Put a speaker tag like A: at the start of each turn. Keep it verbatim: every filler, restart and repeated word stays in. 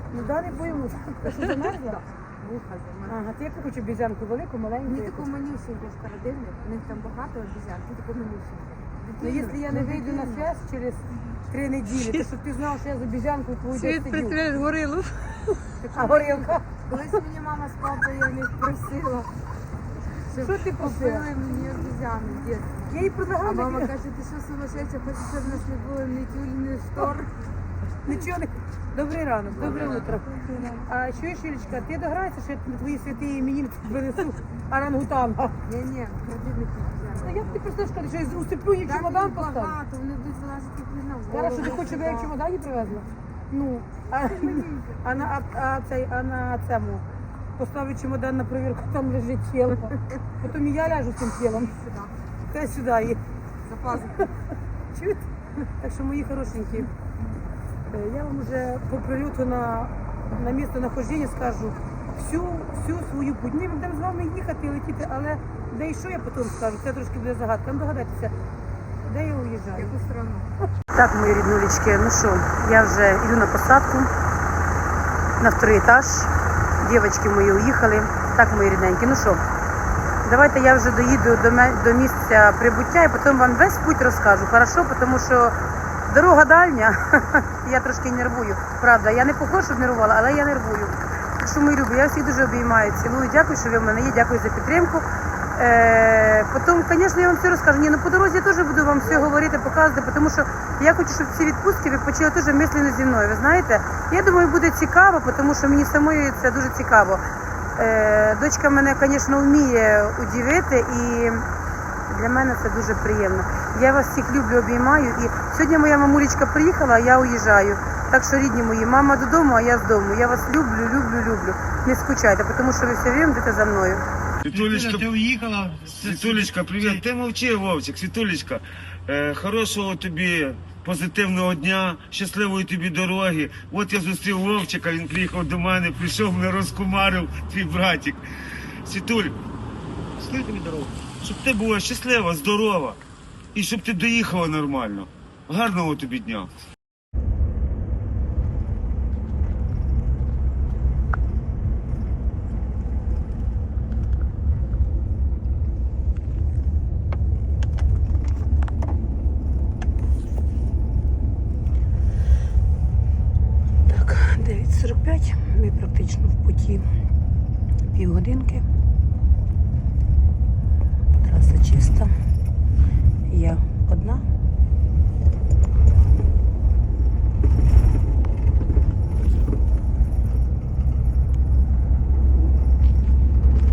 A: Ну да, не боїмося. Ти що замерзла?
B: Вуха замерзла.
A: Ага, ти яку хочу обізянку, велику, маленьку?
B: Мені
A: яку?
B: таку манюсеньку з холодильник, у них там багато обіцян, ти таку манюсеньку.
A: Ну, якщо я не вийду на связь через три неділі, то щоб ти знав, що я з обізянкою твою десь
C: Світ
A: сидю.
C: представляєш горилу.
A: А горілка?
B: Колись мені мама з папою я в них просила, щоб
A: Що ти просила?
B: купили мені обіцяни в дитинстві.
A: Я їй
B: А
A: предлагала,
B: мама
A: таке,
B: каже, ти що сумасшедша, хочеш, щоб в нас не було ні тюль, ні штор.
A: нічого не... Добрий ранок, добре утро. А чуєш, Юлечка, ти дограєшся, що я твої святі іменини принесу орангутанга?
B: Ні-ні, кредитних
A: Ну,
B: обіцян.
A: як ти просто скажеш, що я уступлю їй чемодан поставлю?
B: багато, вони будуть вилазити пізно в
A: Зараз що ти
B: голову
A: хочеш, щоб я їх в
B: сюди.
A: чемодані привезла? Ну, а, а, на, а, а, цей, а на цьому поставлю чемодан на перевірку, там лежить тіло. Потім і я ляжу цим тілом.
B: Сюди,
A: Те сюди їх.
B: за пазуху.
A: Чуєте? Так що, мої хорошенькі, е, я вам вже по прильоту на, на місце нахождення скажу всю, всю свою путь. Ми будемо з вами їхати і летіти, але де і що я потім скажу, це трошки буде загадка. Ну, догадайтеся, де я уїжджаю.
B: Яку страну?
A: Так, мої ріднулечки, ну що, я вже йду на посадку на второй етаж. Дівчатки мої уїхали. Так, мої рідненькі, ну що, давайте я вже доїду до, ме- до місця прибуття і потім вам весь путь розкажу, хорошо? Тому що дорога дальня, я трошки нервую. Правда, я не похожа, щоб нервувала, але я нервую. Так що, мої любі, я всіх дуже обіймаю, цілую, дякую, що ви в мене є, дякую за підтримку. Е, потім, звісно, я вам все розкажу. Ні, ну по дорозі я теж буду вам все говорити, показувати, тому що я хочу, щоб ці відпустки ви почали теж мислено зі мною. Ви знаєте, я думаю, буде цікаво, тому що мені самої це дуже цікаво. Е, дочка мене, звісно, вміє удивити і для мене це дуже приємно. Я вас всіх люблю, обіймаю. І сьогодні моя мамулечка приїхала, а я уїжджаю. Так що, рідні мої, мама додому, а я з дому. Я вас люблю, люблю, люблю. Не скучайте, тому що ви все время будете за мною.
D: Світулечка,
E: Ти уїхала?
D: Світулечка, привіт. Ти мовчи, Вовчик, Світулечка. Е, хорошого тобі позитивного дня, щасливої тобі дороги. От я зустрів Вовчика, він приїхав до мене, прийшов, мене розкумарив, твій братик. Світуль,
E: Скільки тобі дорогу?
D: щоб ти була щаслива, здорова і щоб ти доїхала нормально. Гарного тобі дня.
A: Так, дев'ять сорок п'ять, ми практично в путі півгодинки. Траса чиста. Я одна.